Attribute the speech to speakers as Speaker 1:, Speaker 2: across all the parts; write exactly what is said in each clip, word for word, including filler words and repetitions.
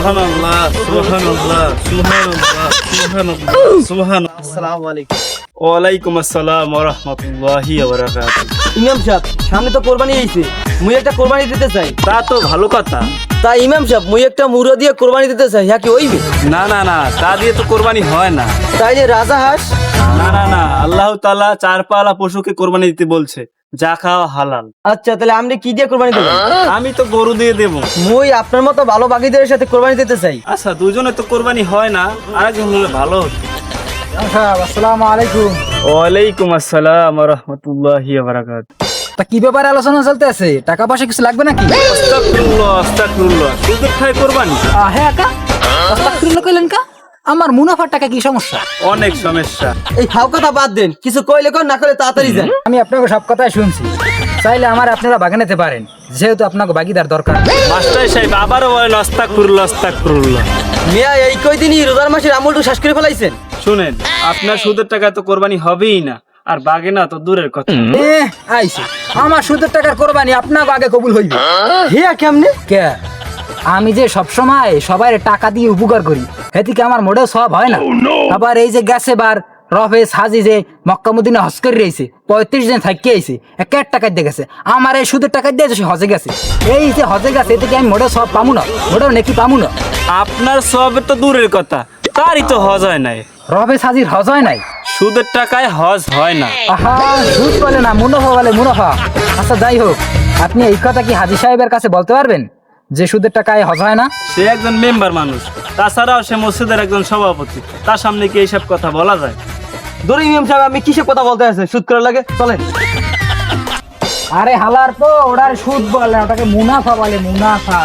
Speaker 1: সুবহানাল্লাহ সুবহানাল্লাহ সুবহানাল্লাহ সুবহানাল্লাহ সুবহানাল্লাহ। আসসালামু আলাইকুম। ওয়ালাইকুম আসসালাম ওয়া রাহমাতুল্লাহি ওয়া বারাকাতুহু।
Speaker 2: ইমাম সাহেব, সামনে তো কোরবানি আইছে, মুই একটা কোরবানি দিতে চাই।
Speaker 1: তা তো ভালো কথা।
Speaker 2: তা ইমাম সাহেব, মুই একটা মুরগি দিয়ে কোরবানি দিতে চাই, হ্যাঁ কি হইবে?
Speaker 1: না না না, তা দিয়ে তো কোরবানি হয় না।
Speaker 2: তাই যে রাজা হাঁস?
Speaker 1: না না না, আল্লাহ তাআলা চার পালা পশুকে কোরবানি দিতে বলছে, যা খাওয়া হালাল।
Speaker 2: আচ্ছা, তাহলে আপনি কি দিয়ে কোরবানি দেবেন?
Speaker 1: আমি তো গরু দিয়ে দেবো।
Speaker 2: মুই আপনার মতো ভালো বাগিদের সাথে কোরবানি দিতে চাই।
Speaker 1: আচ্ছা, দুজনে তো কোরবানি হয় না, আরেকজন হলে ভালো হতো।
Speaker 2: আসসালামু আলাইকুম।
Speaker 1: ওয়ালাইকুম আসসালাম ওয়া রাহমাতুল্লাহি ওয়া বারাকাতুহু।
Speaker 3: তা কি ব্যাপারে আলোচনা চলতে আছে? টাকা পয়সা কিছু লাগবে নাকি?
Speaker 1: আস্তাগফিরুল্লাহ আস্তাগফিরুল্লাহ, সুদের খায় কোরবানি?
Speaker 3: হ্যাঁ কা আস্তাগফিরুল্লাহ কইলেন কা? আমার মুনাফার টাকা কি সমস্যা?
Speaker 1: অনেক সমস্যা।
Speaker 2: এই ফাও কথা বাদ দেন, কিছু কইলে কোন, না কইলে তাড়াতাড়ি যান।
Speaker 3: আমি আপনাকে সব কথাই শুনছি, চাইলে আমার আপনারা বাগে নিতে পারেন, যেহেতু আপনাকে বাগিদার দরকার।
Speaker 1: মাস্টার সাহেব আবারও বলেন আস্তাগফিরুল্লাহ আস্তাগফিরুল্লাহ।
Speaker 2: মিয়া, এই কয়দিনই রোজার মাসের আমলটু শেষ করে ফেলাইছেন।
Speaker 1: শুনেন, আপনার সুদের টাকা তো কোরবানি হবেই না, আর বাগে না তো দূরের কথা।
Speaker 3: এ আইছে আমার সুদের টাকার কোরবানি আপনাকে আগে কবুল হইবে।
Speaker 2: হিয়া কেমনে?
Speaker 3: কে? আমি যে সব সময় সবাই টাকা দিয়ে উপকার করি, এদিকে আমার মোটেও সব হয় না। আবার এই যে গেছে বার রফেজ হাজি যে মক্কা মদিনা হজ করে রয়েছে, পঁয়ত্রিশ দিন থাকি আইছে, এক এক টাকা দিয়ে গেছে। আমার এই সুদের টাকা দিয়ে সে হজে গেছে। এই যে হজে গেছে, এদিকে আমি মোটেও সব পামু না, মোটেও নাকি পামু না।
Speaker 1: আপনার সবের তো দূরের কথা, তারই তো হজ হয় নাই।
Speaker 3: রফেজ হাজির হজ হয় নাই,
Speaker 1: সুদের টাকায় হজ হয় না।
Speaker 3: আহা, সুদ বলে না, মুনাফা বলে মুনাফা। আচ্ছা যাই হোক, আপনি এই কথা কি হাজি সাহেবের কাছে বলতে পারবেন যে সুদের টাকায় হজ হয় না?
Speaker 1: সে একজন মেম্বার মানুষ, তাছাড়াও সে মসজিদের একজন সভাপতি, তার সামনে কি এইসব কথা বলা যায়?
Speaker 2: ধরে ইমাম সাহেব, আমি কিসে কথা বলতে আছে? সুদ করার লাগে, চলেন।
Speaker 3: আরে হালার পো, ওটার সুদ বলে না, ওটাকে মুনাফা বলে, মুনাফা।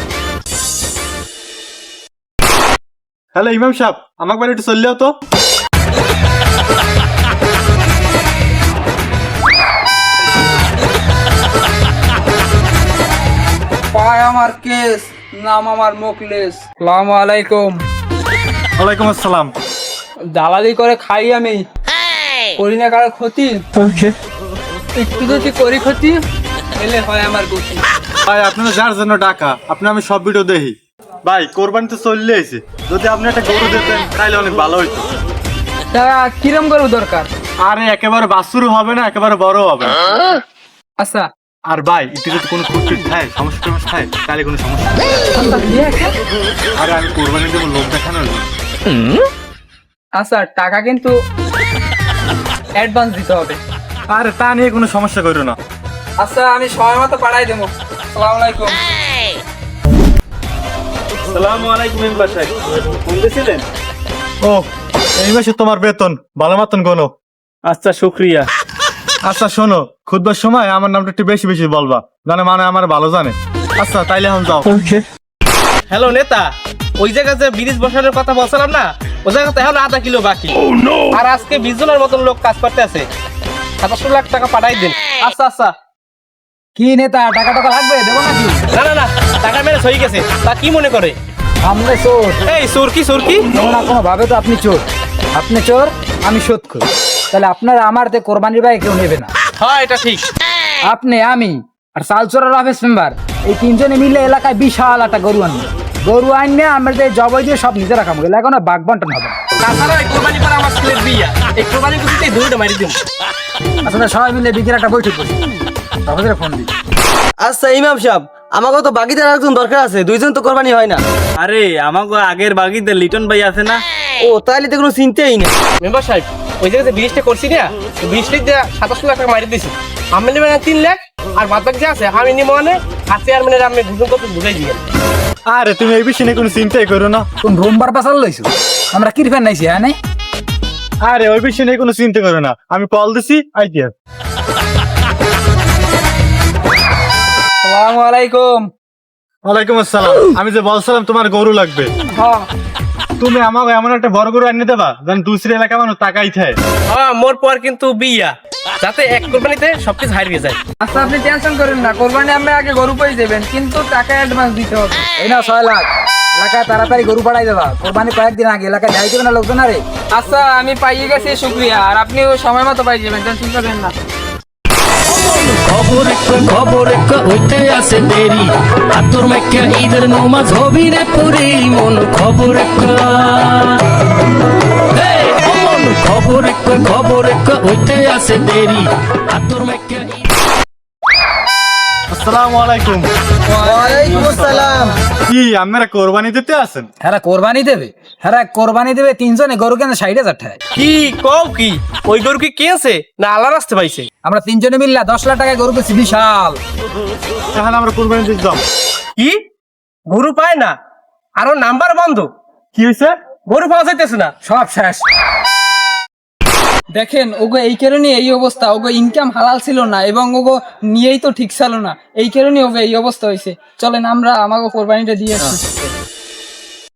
Speaker 4: হ্যালো ইমাম সাহেব, আমাকে বাড়ি একটু চললেও তো।
Speaker 3: পায় আমার কেস, নাম আমার মুখলেস। আসসালামু আলাইকুম।
Speaker 4: ওয়ালাইকুম আসসালাম।
Speaker 3: দালালি করে খাই আমি, করি না কারো ক্ষতি। একটু যদি করি ক্ষতি, এলে হয় আমার গতি।
Speaker 4: ভাই, আপনারা যার জন্য টাকা, আপনি আমি সব ভিডিও দেখি। ভাই, কোরবানি তো চললে এসে, যদি আপনি একটা গরু দিতেন তাহলে অনেক ভালো হইতো।
Speaker 3: তা কিরম গরু দরকার?
Speaker 4: আরে একেবারে বাছুরও হবে না, একেবারে বড় হবে না।
Speaker 3: আচ্ছা
Speaker 4: আর ভাই, এটি যদি কোনো খুঁটির খায়, সমস্যা টমস্যা খায়, তাহলে কোনো সমস্যা নেই। আরে আমি কোরবানি দেবো লোক দেখানোর জন্য।
Speaker 3: আচ্ছা, টাকা কিন্তু অ্যাডভান্স দিতে হবে।
Speaker 4: আরে তা নিয়ে কোনো সমস্যা করো না।
Speaker 3: আচ্ছা, আমি সময় মতো পাঠাই দেবো। আসসালামু আলাইকুম।
Speaker 1: আসসালামু আলাইকুম মেম্বার সাহেব, ফোন দিয়েছিলেন?
Speaker 4: ও, এই মাসে তোমার বেতন ভালো মতন গোনো।
Speaker 1: আচ্ছা, শুক্রিয়া।
Speaker 4: আচ্ছা শোনো, খুদবার সময় আমার নামটা একটু বেশি বেশি বলবা, জানে মানে আমার ভালো জানে। আচ্ছা তাইলে এখন যাও।
Speaker 5: হ্যালো নেতা, ওই জায়গায় যে ব্রিজ বসানোর কথা বলছিলাম না, ওই জায়গাতে এখন আধা কিলো বাকি। আর আজকে বিশ জনের মতন লোক কাজ করতে আছে, সাতাশশো লাখ টাকা পাঠাই দিন। আচ্ছা আচ্ছা।
Speaker 3: কি নেতা, টাকা টাকা লাগবে, দেবো নাকি?
Speaker 5: না না না, টাকা মেরে হয়ে গেছে। তা কি মনে করে?
Speaker 3: আমরা চোর।
Speaker 5: এই সুরকি সুরকি
Speaker 3: কোনো না কোনো ভাবে তো আপনি চোর। আপনি চোর, আমি শোধ করি। তাহলে আপনারা আমার তে কোরবানির ভাই কেউ নেবে না।
Speaker 5: হ্যাঁ, এটা ঠিক।
Speaker 3: আপনি, আমি আর সালচোরার অফিস মেম্বার, এই তিনজনে মিলে এলাকায় বিশাল একটা গরু আনবে। গরু আনবে, আমরা যে জবাই দিয়ে সব নিজে রাখাবো, এলাকা না বাঘ বন্টন হবে।
Speaker 5: তাছাড়া এই কোরবানি পরে আমার ছেলের বিয়া, এই কোরবানি বুঝতে দুইটা মারি দিব।
Speaker 3: আসলে সবাই মিলে বিকেল একটা বৈঠক করি, তারপরে ফোন দিই।
Speaker 2: আচ্ছা ইমাম সাহেব, আমাকেও তো বাগিদার একজন দরকার আছে, দুইজন তো কোরবানি হয় না।
Speaker 1: আরে আমাকে আগের বাগিতে লিটন ভাই আছে না?
Speaker 2: ও, তাইলে তো কোনো চিন্তাই নেই।
Speaker 5: মেম্বার সাহেব, ওই জায়গায় যে ব্রিজটা করছি না, ব্রিজটা দিয়ে সাতাশশো লাখ টাকা মারি দিয়েছি। আমি নেবেন তিন লাখ, আর বাদ বাকি যে আছে আমি নিব মানে আর চেয়ারম্যানের আমি বুঝুন কত বুঝাই দিয়ে।
Speaker 4: আরে তুমি এই বিষয়ে নিয়ে কোনো চিন্তাই করো না।
Speaker 3: কোন রোমবার পাশাল লইছো? আমরা কি ফ্যান নাইছি, হ্যাঁ নাই?
Speaker 4: আরে ওই বিষয়ে নিয়ে কোনো চিন্তা করো না, আমি কল দিছি আইতে।
Speaker 3: আসসালামু আলাইকুম।
Speaker 4: ওয়ালাইকুম আসসালাম। আমি যে বলছিলাম তোমার গরু লাগবে,
Speaker 3: হ্যাঁ,
Speaker 4: তুমি আমাকে এমন একটা বড় গরু আনিয়ে দেবা যেন দুসরি এলাকা মানুষ তাকাই থাকে।
Speaker 5: হ্যাঁ, মোর পর কিন্তু বিয়া, যাতে এক কোরবানিতে সবকিছু হারিয়ে যায়।
Speaker 3: আচ্ছা আপনি টেনশন করেন না, কোরবানি আমরা আগে গরু পেয়ে যাবেন, কিন্তু টাকা অ্যাডভান্স দিতে হবে। এই না ছয় লাখ এলাকায় তাড়াতাড়ি গরু পাঠাই দেবা। কোরবানি কয়েকদিন আগে এলাকায় যাই দেবে না লোকজন। আরে আচ্ছা, আমি পাইয়ে গেছি, শুক্রিয়া। আর আপনিও সময় মতো পাই যাবেন, টেনশন করবেন না।
Speaker 6: খবর একটা খবর একটা হইতে আছে দেরি আতর মেকা ঈদের নমাজ হবি রে পুরি মন খবর একটা Hey, মন খবর একটা খবর একটা হইতে আছে দেরি আতর মেকা
Speaker 4: আসসালামু আলাইকুম।
Speaker 2: ওয়ালাইকুম আসসালাম।
Speaker 4: কি আপনারা কোরবানি দিতে আছেন?
Speaker 3: হ্যাঁ কোরবানি দেবে হ্যাঁ কোরবানি দেবে তিনজনে গরু কেন ষাট হাজার টাকায়
Speaker 5: কি কও কি ওই গরু কি কিনছে না আল্লাহ রাস্তে পাইছে?
Speaker 3: আমরা তিনজনে মিললা দশ লাখ টাকায় গরু পেয়েছি বিশাল।
Speaker 4: তাহলে আমরা কোরবানি দিতে যাব।
Speaker 5: কি গরু পায় না আরো নাম্বার বন্ধ?
Speaker 4: কি হয়েছে?
Speaker 5: গরু পাওয়া যাইতেছে না।
Speaker 3: সব শেষ।
Speaker 7: দেখেন ওগো এই কারণে এই অবস্থা, ওগো ইনকাম হালাল ছিল না এবং ওগো নিয়েই তো ঠিক ছিল না, এই কারণে ওগো এই অবস্থা হয়েছে। চলেন আমরা আমাকে কোরবানিটা দিয়ে আসি।